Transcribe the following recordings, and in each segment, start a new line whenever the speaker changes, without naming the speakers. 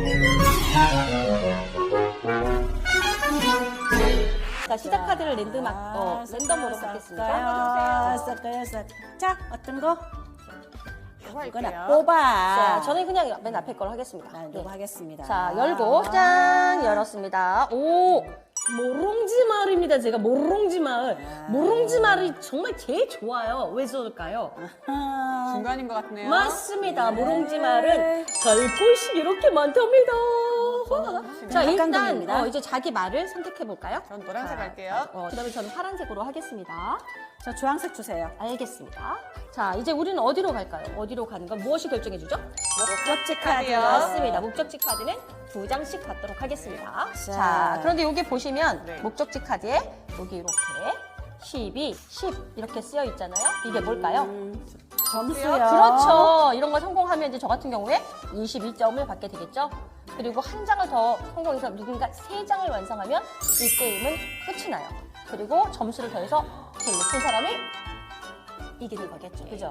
자, 시작 카드를 랜덤으로 받겠습니다.
섞어요. 자, 어떤 거?
이거
이거나
할게요.
뽑아.
자, 저는 그냥 맨 앞에 걸 하겠습니다.
난
네.
이거 하겠습니다.
자, 열고 짠 열었습니다. 오, 모롱지 마을입니다. 제가 모롱지 마을. 모롱지 마을이 정말 제일 좋아요. 왜 좋을까요?
아,
중간인 것 같네요.
맞습니다. 모롱지 마을은 갈 곳이 이렇게 많답니다. 자, 일단
한강동입니다.
이제 자기 말을 선택해 볼까요?
전 노란색 할게요.
그다음에 저는 파란색으로 하겠습니다.
저 주황색 주세요.
알겠습니다. 자, 이제 우리는 어디로 갈까요? 어디로 가는 건 무엇이 결정해 주죠?
목적지
카드요.
맞습니다. 목적지 카드는 2장씩 받도록 하겠습니다.
자.
자, 그런데 여기 보시면
네.
목적지 카드에 여기 이렇게 12, 10 이렇게 쓰여 있잖아요. 이게 뭘까요?
점수요.
그렇죠. 이런 거 성공하면 이제 저 같은 경우에 22점을 받게 되겠죠. 그리고 한 장을 더 성공해서 누군가 3장을 완성하면 이 게임은 끝이 나요. 그리고 점수를 더해서 제일 높은 사람이 이기는 거겠죠. 그죠?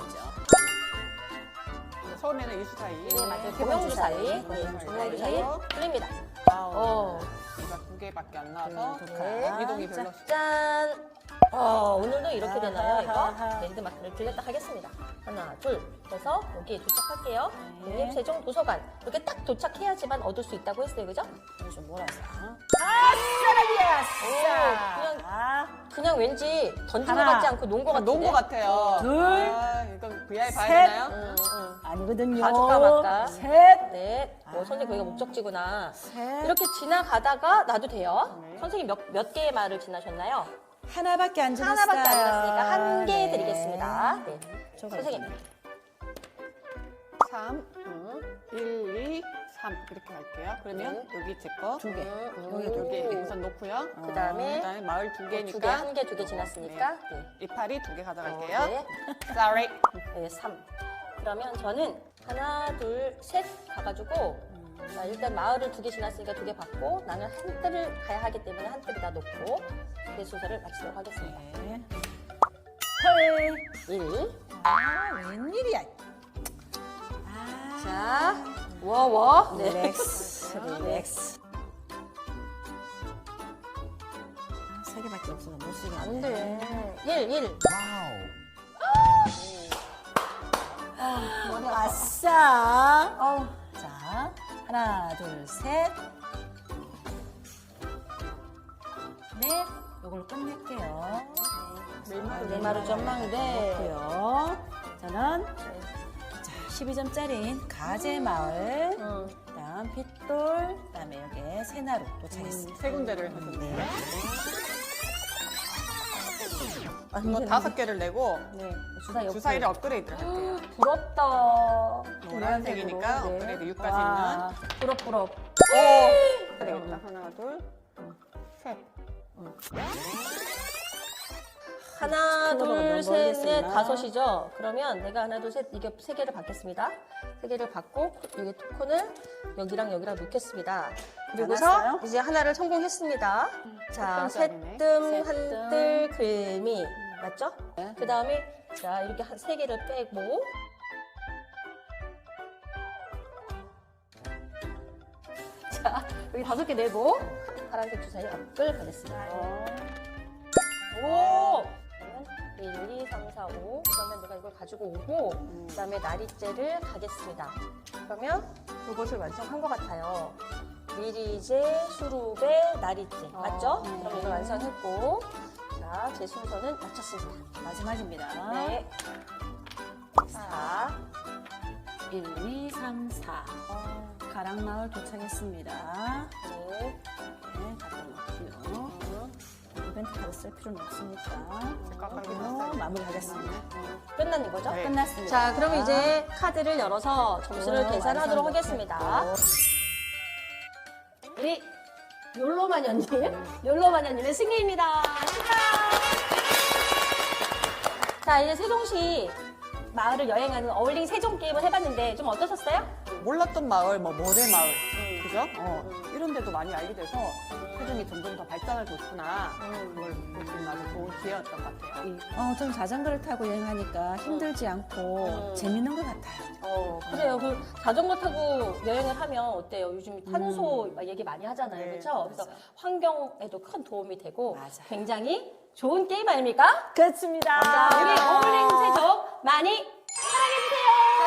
처음에는 이수 사이.
네, 맞아요.
두
고명주
번째
사이.
사이.
네,
고명주
고명주
사이.
사이. 틀립니다.
아우. 이가 2개밖에 안 나와서
네.
이동이 별로.
짠! 오늘도 이렇게 되나요, 이거? 랜드마크를 빌렸다 하겠습니다. 하나, 둘 해서 여기에 도착할게요.
네.
국립세종도서관. 이렇게 딱 도착해야지만 얻을 수 있다고 했어요, 그죠?
이거 좀 몰아서.
그냥 왠지 던진 것
하나.
같지 않고 논 것 같은데?
놓은 것 같아요.
둘.
이건 VI 봐야
셋.
되나요?
아니거든요.
봐줄까 말까?
셋.
넷. 선생님 거기가 목적지구나.
셋.
이렇게 지나가다가 놔도 돼요.
네.
선생님 몇 개의 말을 지나셨나요?
하나밖에 안 지났어요.
하나밖에 안 지났으니까 한 개
네.
드리겠습니다. 네.
저거
선생님.
3, 1, 2, 3 이렇게 할게요. 그러면 여기 제 거.
두 개.
여기 2개 우선 놓고요.
그 다음에
그다음에 마을 2개니까
두 개, 한 개, 두 개 지났으니까. 네.
이파리 2개 가져갈게요.
네.
Sorry.
네, 3. 그러면 저는 하나, 둘, 셋 가가지고 자, 일단 마을을 2개 지났으니까 2개 받고 나는 한 뜰을 가야 하기 때문에 한 뜰에다 놓고 내 순서를 마치도록 하겠습니다.
네.
1.
웬일이야.
자, 워워. 네.
릴렉스. 릴렉스. 세 개밖에 없어서 못 쓰겠네.
안 돼. 1.
아싸. 자, 하나, 둘, 셋. 넷. 이걸로 끝낼게요.
내 말은 전망대.
그렇고요. 저는 자, 12점짜리인 가재마을, 그다음 핏돌, 그다음에 여기에 새나루 도착했습니다.
세 군데를 하셨네요.
네.
이거 5개를 내고
네. 주사 옆으로.
주사위를 업그레이드를 할게요.
부럽다.
노란색이니까
네.
업그레이드 6까지
와, 부럽.
있는. 되겠다. 하나, 둘, 셋.
하나,
스크롤러가
둘,
너무
셋, 넷,
멀겠었나?
5이죠? 그러면 내가 하나, 둘, 셋, 이게 3개를 받겠습니다. 3개를 받고, 여기 토큰을 여기랑 놓겠습니다. 그리고서
많았어요?
이제 하나를 성공했습니다. 자,
셋뜸짜리네.
새뜸,
셋뜸.
한뜰, 글미. 맞죠?
네.
그 다음에, 자, 이렇게 3개를 빼고, 자, 여기 5개 내고, 파란색 주사위 앞을 가겠습니다. 오! 그러면 1, 2, 3, 4, 5. 그러면 내가 이걸 가지고 오고, 그 다음에 나리째를 가겠습니다. 그러면 이것을 완성한 것 같아요. 미리제, 수루베, 나리째. 맞죠?
네.
그럼 이걸 완성했고, 자, 제 순서는 마쳤습니다.
마지막입니다.
네. 4.
1, 2, 3, 4. 가락마을 도착했습니다.
네.
네, 갖다 놓고요. 이벤트 카드 쓸 필요는 없으니까.
깎아서
이걸로 마무리하겠습니다.
끝난 이거죠?
네.
끝났습니다.
자, 그럼 이제 카드를 열어서 점수를
오,
계산하도록
완성
하겠습니다.
못했고.
우리 욜로마녀님의 승리입니다. 축하! 자, 이제 세종시 마을을 여행하는 어울링 세종 게임을 해봤는데 좀 어떠셨어요?
몰랐던 마을, 모래 마을. 그죠? 이런 데도 많이 알게 돼서 체중이 점점 더 발전을 좋구나. 그걸 볼 수 있는 아주 좋은 기회였던 것 같아요.
전 자전거를 타고 여행하니까 힘들지 않고 재밌는 것 같아요.
그래요. 그 자전거 타고 여행을 하면 어때요? 요즘 탄소 막 얘기 많이 하잖아요.
네,
그렇죠? 그래서 환경에도 큰 도움이 되고
맞아.
굉장히 좋은 게임 아닙니까?
그렇습니다.
자, 우리 어울링 세족 많이 사랑해주세요.